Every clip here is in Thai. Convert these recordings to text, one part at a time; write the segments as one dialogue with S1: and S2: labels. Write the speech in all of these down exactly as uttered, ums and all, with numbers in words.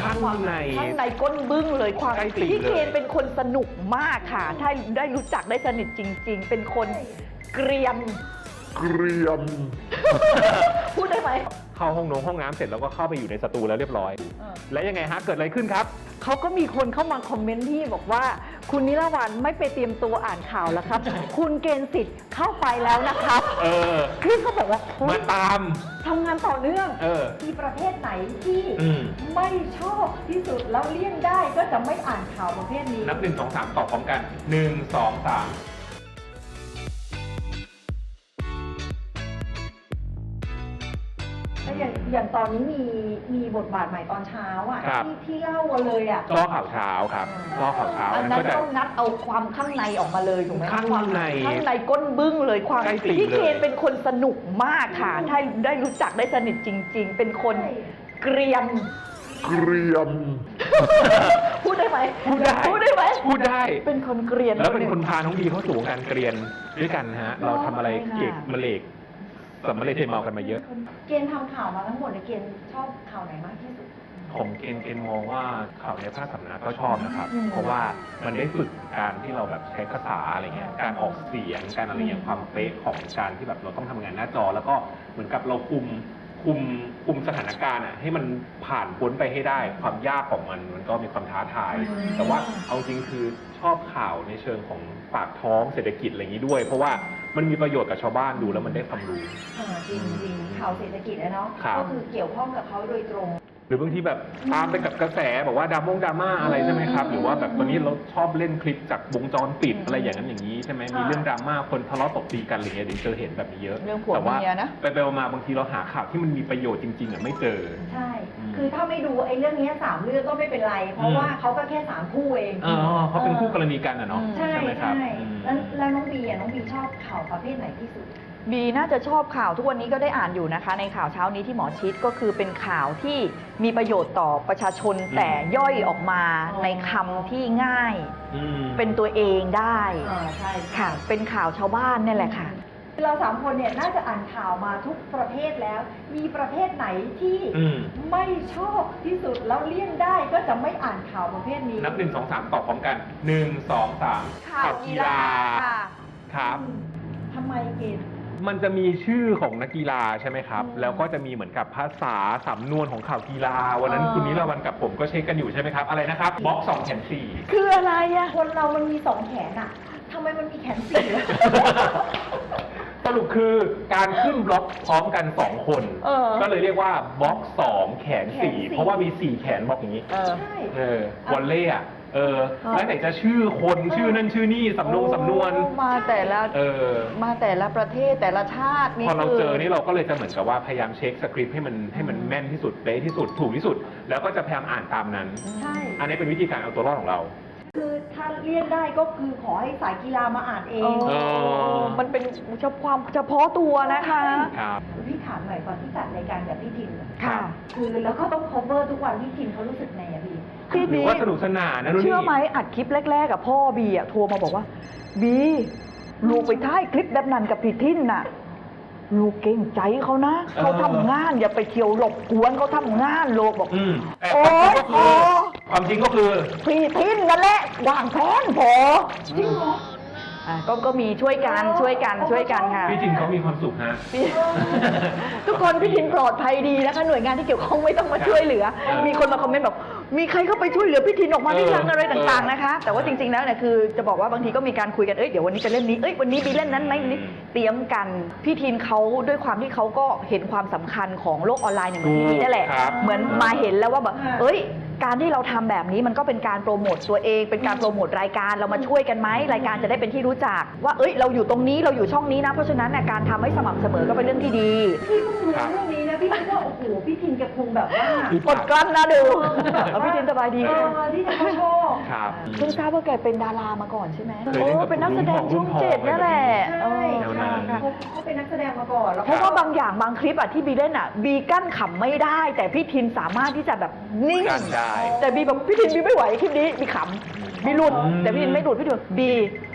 S1: ข้างใน
S2: ข้างในก้นบึ้งเลยความพี่เคนเป็นคนสนุกมากค่ะถ้าได้รู้จักได้สนิทจริงๆเป็นคนเกรียม
S1: เกรียม
S2: พูดได้ไหม
S1: เข้าห้องน้ำห้องน้ำเสร็จแล้วก็เข้าไปอยู่ในสตูแล้วเรียบร้อยแล้วยังไงฮะเกิดอะไรขึ้นครับ
S2: เขาก็มีคนเข้ามาคอมเมนต์ที่บอกว่าคุณนิรวรรณไม่ไปเตรียมตัวอ่านข่าวแล้วครับ คุณเกณฑ์สิทธิ์เข้าไปแล้วนะครับ
S1: เออ
S2: คือเขาแบบว่า
S1: มาตาม
S2: ทำงานต่อเนื่อง
S1: เออ
S2: มีประเภทไหนที่ไม่ชอบที่สุดแล้วเลี่ยงได้ก็จะไม่อ่านข่าวประเภทนี้
S1: นับหนึ่งสองสามตอบพร้อมกันหนึ่งสองสาม
S2: อย่างอย่างตอนนี้มีมีบทบาทใหม่ตอนเช้าอ่ะที่ที่เล่าเลยอ่ะ
S1: ก็ข่าวเช้าครับก็ข่าวเช้า
S2: อันนั้นต้องงัดเอาความข้างในออกมาเลยถูกไหม
S1: ข้างใน
S2: ข้างในก้นบึ้งเลยความพี่เคนเป็นคนสนุกมากค่ะถ้าได้รู้จักได้สนิทจริงๆเป็นคนเกรียม
S1: เกรียม
S2: พูดได้ไหม
S1: พูดได้
S2: พูดได้ไหม
S1: พูดได้
S2: เป็นคนเกรียน
S1: แล้วเป็นคนพาน้องบีเข้าสู่วงการเกรียนด้วยกันฮะเราทำอะไรเก็บมะเร็กสำเร็จเทเมากันมาเยอะ
S2: เกณฑ์ทำข่าวมาทั้งหมดในเกณฑ์ชอบข่าวไหนมากที่สุด
S1: ของเกณฑ์เกณฑ์มองว่าข่าวในภาคสำนักก็ชอบนะครับเพราะว่ามันได้ฝึกการที่เราแบบใช้ภาษาอะไรเงี้ยการออกเสียงการอะไรเงี้ยความเป๊ะของการที่แบบเราต้องทำงานหน้าจอแล้วก็เหมือนกับเราคุมคุมคุมสถานการณ์อ่ะให้มันผ่านพ้นไปให้ได้ความยากของมันมันก็มีความท้าทายแต่ว่าเอาจริงคือชอบข่าวในเชิงของปากท้องเศรษฐกิจอะไรอย่างนี้ด้วยเพราะว่ามันมีประโยชน์กับชาวบ้านดูแล้วมันได้ความรู้
S2: จริงจริงข่าวเศรษฐกิจนะเนาะก็คือเกี่ยวข้องกับเขาโดยตรง
S1: หรือบางทีแบบตามไปกับกระแสบอกว่าดรามงดราม่าอะไรใช่ไหมครับหรือว่าแบบตอนนี้เราชอบเล่นคลิปจากวงจรปิดอะไรอย่างนั้นอย่างนี้ใช่ไหมมีเรื่องดราม่าคนทะเลาะตบตีกันอะไรเงี้ยเดี๋ยวเจอเห็นแบบนี้เยอะ
S2: แต่ว่า
S1: ไปไปมาบางทีเราหาข่าวที่มันมีประโยชน์จริงๆอ่ะไม่เจอ
S2: ใช่คือถ้าไม่ดูไอ้เรื่องนี้สามเรื่องก็ไม่เป็นไรเพราะว่าเขาก็แค่สามคู่เอง
S1: อ๋อเขาเป็นคู่กรณีกันอ่ะเนาะ
S2: ใช่ไหมครับแล้วแล้วน้องบีอ่ะน้องบีชอบข่าวประเภทไหนที่สุดบีน่าจะชอบข่าวทุกวันนี้ก็ได้อ่านอยู่นะคะในข่าวเช้านี้ที่หมอชิดก็คือเป็นข่าวที่มีประโยชน์ต่อประชาชนแต่ย่อยออกมาในคำที่ง่ายเป็นตัวเองได้ใช่ค่ะเป็นข่าวชาวบ้านนี่แหละค่ะเราสามคนเนี่ยน่าจะอ่านข่าวมาทุกประเภทแล้วมีประเภทไหนที่ไม่ชอบที่สุดแล้วเลี่ยงได้ก็จะไม่อ่านข่าวประเภทนี้
S1: นับหนึ่งสองสามตอบพร้อมกันหนึ่งสองสาม
S2: ข่าวกีฬา
S1: ครับ
S2: ทำไมเกณฑ์
S1: มันจะมีชื่อของนักกีฬาใช่ไหมครับแล้วก็จะมีเหมือนกับภาษาสำนวนของข่าวกีฬาวันนั้นคุณนิรวรรณกับผมก็เช็คกันอยู่ใช่ไหมครับอะไรนะครับบล็อกสองแขนสี่
S2: คืออะไรอะคนเรามันมีสองแขนอะทำไมมันมีแขนสี่
S1: สรุปคือการขึ้นบล็อกพร้อมกันสองคนก็เลยเรียกว่าบล็อกสองแขนสี่เพราะว่ามีสี่แขนบล็อกอย่างนี้
S2: ใช่
S1: เออวอลเล่อะเออแล้วไหนจะชื่อคนชื่อนั่นชื่อนี่สำนวนสำนวน
S2: มาแต่ละ
S1: เออ
S2: มาแต่ละประเทศแต่ละชาติ
S1: นี่พอเราเจอนี่เราก็เลยจะเหมือนกับว่าพยายามเช็คสคริปต์ให้มันให้มันแม่นที่สุดเป๊ะที่สุดถูกที่สุดแล้วก็จะพยายามอ่านตามนั้น
S2: ใช่
S1: อันนี้เป็นวิธีการเอาตัวรอดของเรา
S2: คือถ้าเลี่ยงได้ก็คือขอให้สายกีฬามาอ่านเองมันเป็นเฉพาะความเฉพาะตัวนะคะ
S1: ครับ
S2: พี่ถามหน่อยก่อนที่จัดรายการกับพี่ทินค่ะคือแล้วก็ต้อง cover ทุกวันพี่ทินเขารู้สึกไงอะพี่
S1: พี่หรือว่าสนุกสนานนะ
S2: เชื่อไหมอัดคลิปแรกๆกับพ่อบีอะโทรมาบอกว่าบีลูกไปถ่ายคลิปแบบนั้นกับพี่ทินน่ะลูกเก่งใจเขานะเขาทำงานอย่าไปเที่ยวหลบกวนเขาทำงานโลกบอก
S1: โอ้ความจริงก็คือ
S2: พี่ทินนั่นแหละวางแผนพอจริงเหรออ่าก็ก็มีช่วยกันช่วยกันช่วยกันค่ะ
S1: พี่ทินเขามีความสุขฮะ
S2: ทุกคนพี่ทินปลอดภัยดีนะคะหน่วยงานที่เกี่ยวข้องไม่ต้องมาช่วยเหลือมีคนมาคอมเมนต์บอกมีใครเข้าไปช่วยเหลือพี่ทินออกมาได้ยังอะไรต่างๆนะคะแต่ว่าจริงๆแล้วเนี่ยคือจะบอกว่าบางทีก็มีการคุยกันเอ้ยเดี๋ยววันนี้จะเล่นนี้เอ้ยวันนี้มีเล่นนั้นไหมนี้เตรียมกันพี่ทินเขาด้วยความที่เขาก็เห็นความสำคัญของโลกออนไลน์อย่างที่นี่นั่นแหละเหมือนมาเห็นแล้วว่าแบบเอ้ยการที่เราทำแบบนี้มันก็เป็นการโปรโมทตัวเองเป็นการโปรโมทรายการเรามาช่วยกันไหมรายการจะได้เป็นที่รู้จักว่าเอ้ยเราอยู่ตรงนี้เราอยู่ช่องนี้นะเพราะฉะนั้นการทำให้สม่ำเสมอก็เป็นเรื่องที่ดีพี่เพิ่งรู้เรื่องนี้นะพี่คิดว่าโอ้โหพี่ทินแกคงแบบว่ากดกลั้นนะดูพี่ทินสบายดีที่จะชอบเพิ่งทราบว่าแกเป็นดารามาก่อนใช่ไหมโอ้เป็นนักแสดงช่องเจ็ดนี่แหละใช่เขาเป็นนักแสดงมาก่อนเพราะว่าบางอย่างบางคลิปอะที่บีเล่นอะบีกั้นขำไม่ได้แต่พี่ทินสามารถที่จะแบบนิ่งแต่บีแบบพี่ทินบีไม่ไหวคลิปนี้บีขำบีหลุดแต่พี่ทินไม่หลุดพี่ทินบี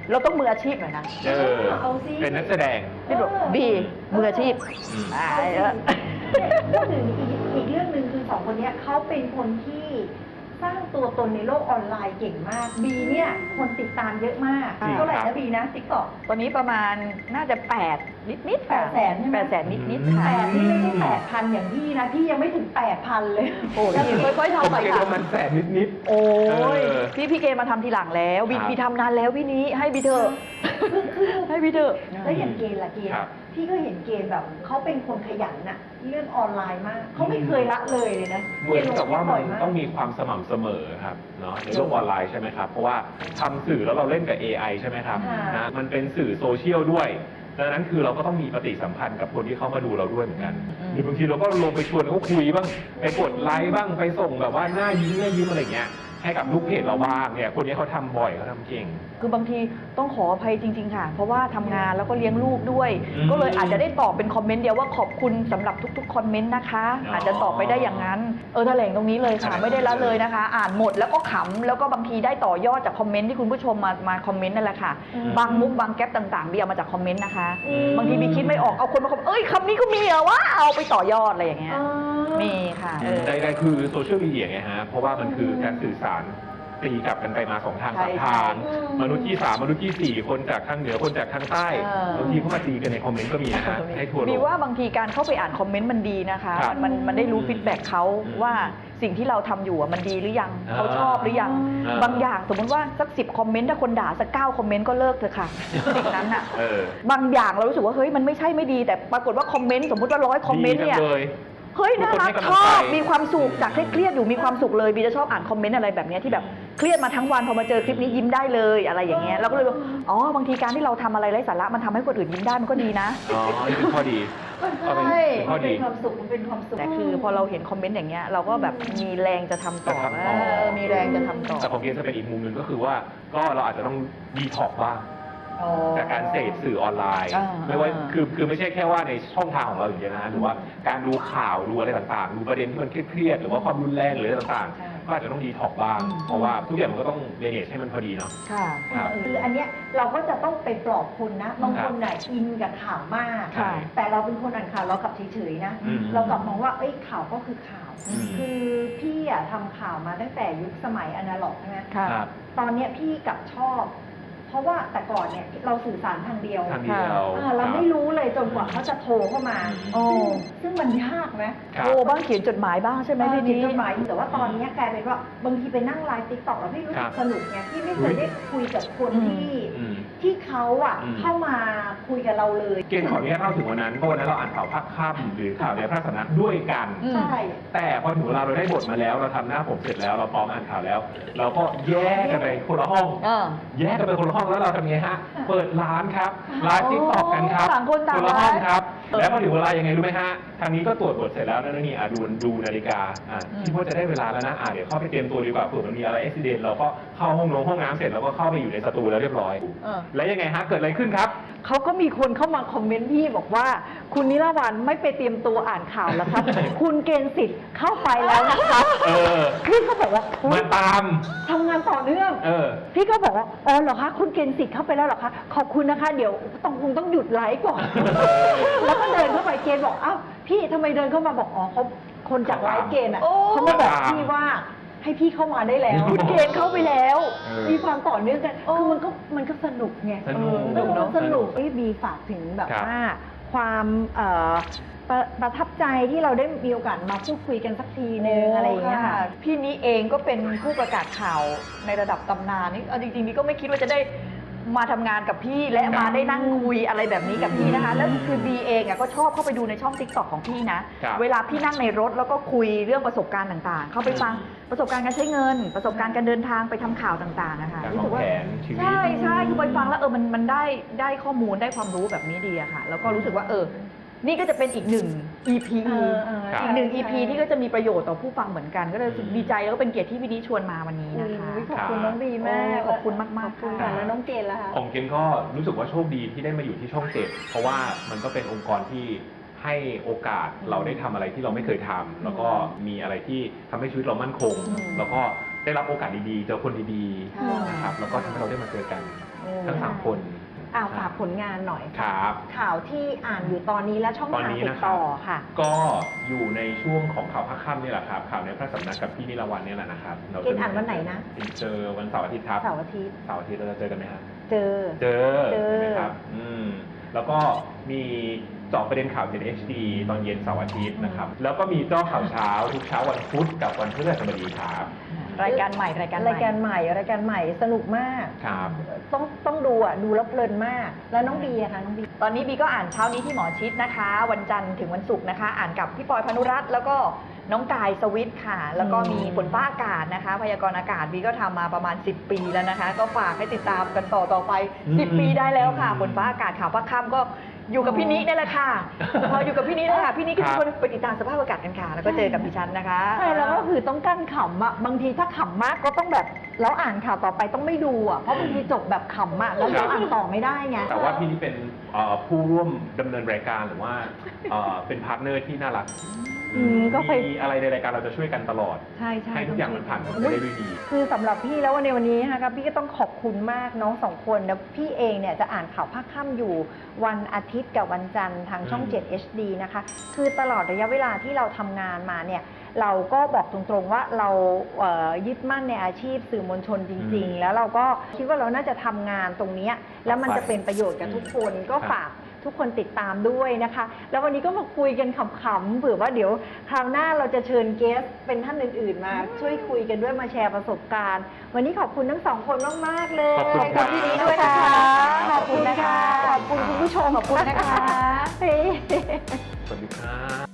S2: เราต้องมืออาชีพหน่อยนะ
S1: เออ
S3: เอาสิ
S1: เป็นนักแสดง
S2: พี่บอกบีมืออาชีพ
S1: อืม
S2: อ่า
S3: เอาสิ
S2: เออ
S3: เนี่ยพูดถึงอีกอีกเรื่องหนึ่งคือสองคนเนี้ยเขาเป็นคนที่สร้างตัวตนในโลกออนไลน์เก่งมากบีเนี่ยคนติดตามเยอะมาก
S2: จริง
S3: เท่าไหร่
S1: ครั
S3: นะ
S1: บ
S3: บีนะติ๊กต็อก
S2: ตอนนี้ประมาณน่าจะแปดนิดนิดๆค่ะ
S3: แปดแสนใช่ไหม
S2: แปดแสนนิดนิด
S1: อืม
S2: ๆค่ะ
S3: แต่นี่ไม่ใช่แปดพันอย่างพี่นะ พี่ยังไม่ถึงแปดพันเลย
S2: โอ้ยค่อยๆ
S1: ผม
S2: ทำไป
S1: เก็ต
S2: ค่ะ
S1: ว่ามันแสนนิด
S2: โอ้ย
S1: เออ
S2: พี่พี่เกมาทำทีหลังแล้วบี
S1: ครับ
S2: บีทำนานแล้วพี่นี้ให้บีเถอะให้บีเถอะ
S3: แล้วอย่างเกณฑ์ล่ะเกณฑ์
S1: ครับ
S3: พี่ก็เห็นเกณฑ์แบบเขาเป็นคนขยันน่ะเรื่องออนไลน์มากเขาไม่เคยละเลยเลยนะ
S1: ๆเหมือนกับว่า
S3: เก
S1: มั
S3: ณฑ์ลงคลิปบ่อย
S1: นต้องมีความสม่ำเสมอครับเนาะในโลกออนไลน์ใช่ไหมครับ เพราะว่าทำสื่อแล้วเราเล่นกับ เอ ไอ ใช่ไหมครับ
S3: ค่ะ
S1: นะมันเป็นสื่อโซเชียลด้วยดังนั้นคือเราก็ต้องมีปฏิสัมพันธ์กับคนที่เขามาดูเราด้วยเหมือนกัน
S2: อืม
S1: หรือบางทีเราก็ลงไปชวนเขาคุยบ้างไปกดไลค์บ้างไปส่งแบบว่าหน้ายิ้มหน้ายิ้มอะไรเงี้ยให้กับลูกเพจเราบ้างเนี่ยคนนี้เขาทำบ่อยเขาทำเก่ง
S2: คือบางทีต้องขออภัยจริง ๆ ค่ะ เพราะว่าทำงานแล้วก็เลี้ยงลูกด้วย
S1: อืม
S2: ก็เลยอาจจะได้ตอบเป็นคอมเมนต์เดียวว่าขอบคุณสำหรับทุกๆคอมเมนต์นะคะ
S1: อ๋ออ
S2: อาจจะตอบไปได้อย่างนั้นเออแถลงตรงนี้เลยค่ะ
S1: แถลง
S2: ไม่ได้ละเลยนะคะ อ่านหมดแล้วก็ขำแล้วก็บางทีได้ต่อยอดจากคอมเมนต์ที่คุณผู้ชมมามาคอมเมนต์นั่นแหละค่ะ
S3: อืม
S2: บางมุกบางแก๊ปต่างๆบีเอามาจากคอมเมนต์นะคะ
S3: อืม
S2: บางทีบีคิดไม่ออกเอาคนมาคอมเอ้ยคำนี้ก็มีเหรอวะเอาไปต่อยอดอะไรอย่างเงี้ย
S3: อ๋อ
S2: มีค่ะเออ
S1: ใดๆคือโซเชียลมีเดียไงฮะ เพราะว่ามันคือการสื่อสารตีกลับกันไปมาสองทาง
S2: ใช่
S1: สามทาง
S3: ใช่
S1: มนุษย์ที่สามมนุษย์ที่สี่คนจากทางเหนือคนจากทางใต้
S2: เออ
S1: บางทีเขามาตีกันในคอมเมนต์ก็มีนะฮะให้ทัวร์ล
S2: บี
S1: ง
S2: ว่าบางทีการเข้าไปอ่านคอมเมนต์มันดีนะคะ
S1: ครับ
S2: มันมันได้รู้ฟีดแบ็กเขา
S1: อืม
S2: ว่าสิ่งที่เราทำอยู่อะมันดีหรือยัง
S1: อ่า
S2: เขาชอบหรือยัง
S1: อ่า
S2: บางอย่างสมมติว่าสักสิบคอมเมนต์ถ้าคนด่าสักเก้าคอมเมนต์ก็เลิกเถอะค่ะสิ่งนั้นอะ
S1: เออ
S2: บางอย่างเรารู้สึกว่าเฮ้ยมันไม่ใช่ไม่ดี แต่ปรากฏว่าคอมเมนต์สมมติว่าร้อยคอมเมนต์
S1: ดี
S2: เนี่ย
S1: จังเลย
S2: เฮ้ยน่ารัก
S1: ทุกคนให้กำลัง
S2: ชอบ
S1: ใจ
S2: มีความสุขจากเครียดๆอยู่มีความสุขเลยบีจะชอบอ่านคอมเมนต์อะไรแบบเนี้ยที่แบบเครียดมาทั้งวันพอมาเจอคลิปนี้ยิ้มได้เลยอะไรอย่างเงี้ยเราก็เลยว่าอ๋อบางทีการที่เราทำอะไรไร้สาระมันทำให้คนอื่นยิ้มได้มันก็ดีนะ
S1: อ๋อนี่คือข้อดี ก็เป็น
S3: ใช่
S1: เป็นข้
S3: มั
S1: อน ดี
S3: เป็นความสุขมันเป็นความสุข
S2: แต่คือพอเราเห็นคอมเมนต์อย่างเงี้ยเราก็แบบมีแรงจะทำต่อ
S1: จะทำต่อ
S2: เออมีแรงจะทำต่อ
S1: แต่ของเกมจะเป็นอีกมุมหนึ่งก็คือว่าก็เราอาจจะต้องดีท็อกบ้าง
S3: อ๋อ
S1: จากการเสพสื่อออนไลน์
S2: อ่า
S1: ไม่ว่า
S2: อ่า
S1: คือคือไม่ใช่แค่ว่าในช่องทางของเราอย่างเดียวนะหรือว่าการดูข่าวดูอะไรต่างๆ ดูประเด็นที่มันเครียดๆหรือว่าความรุนแรงหรืออะไรต่าง
S3: ใช่
S1: ๆ ก็อาจจะต้องดีท็อกบ้าง เพราะว่าทุกอย่างมันก็ต้องเรเนจให้มันพอดีเนาะ
S2: ค่ะ
S1: ครับ
S3: คืออันเนี้ยเราก็จะต้องไปปลอบคนนะบางคนน่ะอินกับข่าวมาก
S2: ค่ะ
S3: แต่เราเป็นคนอ่านข่าวเรากลับเฉยๆนะ
S1: อืม
S3: เรากลับมองว่าเอ้ยข่าวก็คือข่าว
S1: อืม
S3: คือพี่อะทำข่าวมาตั้งแต่ยุคสมัยอนาล็อกใช่ไหม
S2: ค่ะ
S1: ครับ
S3: ตอนเนี้ยพี่กลับชอบ เพราะว่าแต่ก่อนเนี่ยเราสื่อสารทางเดียว
S1: ทางเดียว
S3: อ่าเราไม่รู้เลยจนกว่าเขาจะโทรเข้ามา
S2: โอ้
S3: ซึ่งมันยากไหม
S1: ครับ
S2: โทรบ้างเขียนจดหมายบ้างใช่ไหม
S3: เออ
S2: พี่
S3: เขีย
S2: นี้
S3: นจดหมายแต่ว่าตอนเนี้ยกลายเป็นว่าบางทีไปนั่งไลฟ์ติ๊กต็อกแล้วพี่รู้
S1: ค
S3: สึ
S1: รั
S3: ก
S1: บ
S3: สนุกไงพี่ไม่เคยได้คุยกับคน
S2: อืม
S3: ที่
S1: อืม
S3: ที่เขาอ่ะ
S1: อืม
S3: เข้ามาคุยกับเราเลย
S1: เกณฑ์ขออนุญาตเล่าถึงวันนั้นเพราะวันนั้นเราอ่านข่าวภาคค่ำหรือข่าวในพระสำนักด้วยกัน
S2: อืม
S3: ใช่
S1: แต่พอถึงเวลาเราได้บทมาแล้ว เราทำหน้าผมเสร็จแล้วเราพร้อมอ่านข่าวแล้ว เราก็แยกกันไปคนละห้อง
S2: เออ
S1: แยกกันไปคนละห้องแล้วเราทำไงฮะ เปิดร้านครับไลฟ์ติ๊กต็อกกันครับ
S2: ต่างคนต่าง
S1: ละห้อง
S2: ไลฟ์
S1: ครับ
S2: เออ
S1: แล้วพอถึงเวลายังไงรู้ไหมฮะ ทางนี้ก็ตรวจบทเสร็จแล้วนั่นนี่อ่ะดูดูนาฬิกาอ่ะ
S2: อืม
S1: คิดว่าจะได้เวลาแล้วนะอ่ะเดี๋ยวเข้าไปเตรียมตัวดีกว่าเผื่อมันมีอะไรอุบิเหตุเราก็เข้าห้องน้ำห้องน้ำเสร็จแล้วก็เข้าไปอยู่ในสตูแล้วเรียบร้อย
S2: เออ
S1: แล้วยังไงฮะเกิดอะไรขึ้นครับ
S4: เขาก็มีคนเข้ามาคอมเมนต์พี่บอกว่า คุณนิรวันไม่ไปเตรียมตัวอ่านข่าวแล้วครับ คุณเกณฑ์สิทธิ์เข้าไปแล้วนะครับ
S1: เออ
S4: พี่ก็บอกว่าอุ๊
S1: มาย ตาม
S4: ทำงานต่อเนื่อง
S1: เออ
S4: พี่ก็บอกว่าอ๋อเหรอคะคุณเกณฑ์สิทธิ์เข้าไปแล้วเหรอคะขอบคุณนะคะเดี๋ยวต้องคงต้องหยุดไลฟ์ก่อน แล้วก็เดินเข้าไปเกณฑ์บอกอ้าวพี่ทำไมเดินเข้ามาบอกอ๋อเขาคนจากไลฟ์เกณฑ์อ่ะ
S2: โอ้
S4: เขามาบอกพี่ว่าให้พี่เข้ามาได้แล้ว
S2: คุณเกณฑ์เข้าไปแล้ว
S1: เออ
S4: มีความต่อเนื่องกันคือมันก็มันก็สนุกไง
S1: สนุก
S4: เออมันสนุก
S1: สนุก
S4: เอ้ยบีฝากถึงแบบ
S1: ครับ
S4: ว่าความเอ่อประประทับใจที่เราได้มีโอกาสมาพูดคุยกันสักทีนึงอะไรอย่างเงี้ยค่ะ
S2: พี่นี้เองก็เป็นผู้ประกาศข่าวในระดับตำนานนี่เอาจริงๆนี่ก็ไม่คิดว่าจะได้มาทำงานกับพี่และมาได้นั่งคุยอะไรแบบนี้กับพี่นะคะ แล้วคือบีเองอ่ะก็ชอบเข้าไปดูในช่องติ๊กต็อกของพี่นะ
S1: ครับ
S2: เวลาพี่นั่งในรถแล้วก็คุยเรื่องประสบการณ์ต่างๆ เข้าไปฟังประสบการณ์การใช้เงิน ประสบการณ์การเดินทางไปทำข่าวต่างๆนะคะ
S1: การ
S2: รู้
S1: วา
S2: สึ
S1: ง
S2: กว่า
S1: แผนชีวิต
S2: ใช่ใช่คือไปฟังแล้วเออมันมันได้ได้ข้อมูลได้ความรู้แบบนี้ดีอะค่ะ แล้วก็รู้สึกว่าเออ นี่ก็จะเป็นอีกหนึ่ง อี พี
S4: เออเออ
S1: ครับ
S2: อีกหนึ่ง อี พี
S4: ใช่
S2: ที่ก็จะมีประโยชน์ต่อผู้ฟังเหมือนกัน ก็เลยรู้สึกดีใจแล้วก็เป็นเกียรติที่พี่นี้ชวนมาวันนี้นะคะ
S4: อุ๊ยขอบคุณน้องบีมาก
S2: โอ้ขอบคุณมากๆ
S4: ขอบคุณ
S2: ค่ะ
S4: ค่ะแล้วน้องเกณฑ์ล่ะคะ
S1: ของเกนก็รู้สึกว่าโชคดีที่ได้มาอยู่ที่ช่องเจ็ดเพราะว่ามันก็เป็นองค์กรที่ให้โอกาสเราได้ทำอะไรที่เราไม่เคยทำแล้วก็มีอะไรที่ทำให้ชีวิตเรามั่นคง
S2: อืม
S1: แล้วก็ได้รับโอกาสดีๆเจอคนดี
S2: ค่ะ
S1: ๆนะครับแล้วก็ทำให้เราได้มาเจอกัน
S2: โอ้
S1: ทั้งสามคน
S4: อ่าฝากผลงานหน่อย
S1: ครับ
S4: ข่าวที่อ่านอยู่ตอนนี้และช่อง
S1: ตอน
S4: ทาง
S1: นี้
S4: ติ
S1: นะ
S4: ด
S1: ครับ
S4: ต่อค่ะ
S1: ก็อยู่ในช่วงของข่าวภาคค่ำนี่แหละครับ ข่าวในพระสำนักกับพี่นิรวันเนี่ยแหละนะครับรา
S4: เกณฑ์อ่านวันไหนนะ
S1: เจอวันเสาร์อาทิตย์ครับ
S4: เสาร์อาทิตย์
S1: เสาร์อาทิตย์เราจะเจอกันไหมครับ
S4: เจอ
S1: เจอ
S4: เจอ
S1: ใช่ไหมครับอืมแล้วก็มีเจาะประเด็นข่าว เจ็ด เอช ดี ตอนเย็นเสาร์อาทิตย์นะครับ แล้วก็มีเจ้าข่าวเช้าทุกเช้าวันพุธกับวันพฤหัสบดีครับ
S2: รายการใหม่รายการใหม่
S4: รายการใหม่รายการใหม่สนุกมาก
S1: ครับ
S4: ต้องต้องดูอ่ะดูแล้วเพลินมาก แล้วน้องบีอะคะน้องบี
S2: ตอนนี้บีก็อ่านเช้านี้ที่หมอชิดนะคะ วันจันทร์ถึงวันศุกร์นะคะ อ่านกับพี่ปอยพานุรัตน์แล้วก็น้องกายสวิทย์ค่ะ แล้วก็มีฝนฟ้าอากาศนะคะ พยากรณ์อากาศบีก็ทำมาประมาณ สิบ ปีแล้วนะคะ ก็ฝากให้ติดตามกันต่อต่อไป สิบ ปีได้แล้วค่ะ ฝนฟ้าอากาศข่าวภาคค่ำก็อยู่กับพี่นินี่แหละค่ะพออยู่กับพี่นิแล้วค่ะพี่นิก็
S1: ครั
S2: จะ
S1: บ
S2: คนไปติดตามสภาพอากาศกันค่ะ แล้วก็เจอกับดิฉันนะคะ
S4: ใช่แล้วก็คือต้องกั้นขำอ่ะบางทีถ้าขำมากก็ต้องแบบแล้วอ่านข่าวต่อไปต้องไม่ดูอ่ะเพราะบางทีจบแบบขำอ่ะแล้วเราอ่านต่อไม่ได้ไง
S1: แต่ว่าพี่นี่เป็นเอ่อผู้ร่วมดำเนินรายการหรือว่าเอ่อเป็นพาร์ทเนอร์ที่น่ารัก
S4: อืมก็ไป
S1: มีอะไรในรายการเราจะช่วยกันตลอด
S4: ใช่ใช่
S1: ให้ทุกอย่างมันผ่านไปได้ด้วยดี
S4: คือสำหรับพี่แล้ววันในวันนี้นะคะพี่ก็ต้องขอบคุณมากน้องสองคนนะพี่เองเนี่ยจะอ่านข่าวภาคค่ำอยู่วันอาทิตย์กับวันจันทร์ทางช่อง
S1: อืม
S4: เจ็ด เอช ดี นะคะ คือตลอดระยะเวลาที่เราทำงานมาเนี่ยเราก็บอกตรงๆว่าเราเอ่อยึดมั่นในอาชีพสื่อมวลชนจริง ๆ แล้วเราก็คิดว่าเราน่าจะทำงานตรงเนี้ยแล้วมันจะเป็นประโยชน์กับทุกคนก็ฝากทุกคนติดตามด้วยนะคะ แล้ววันนี้ก็มาคุยกันขำๆเผื่อว่าเดี๋ยวคราวหน้าเราจะเชิญเกสเป็นท่านอื่นๆมา ช่วยคุยกันด้วยมาแชร์ประสบการณ์ วันนี้ขอบคุณทั้งสองคนมากๆเลย
S1: ขอบคุณครับ
S4: พี่นี้ด้วยนะคะ
S2: ขอบคุณนะคะ
S4: ขอบคุณคุณผู้ชม
S2: ขอบคุณนะคะ
S4: เฮ้
S1: สวัสดีครับ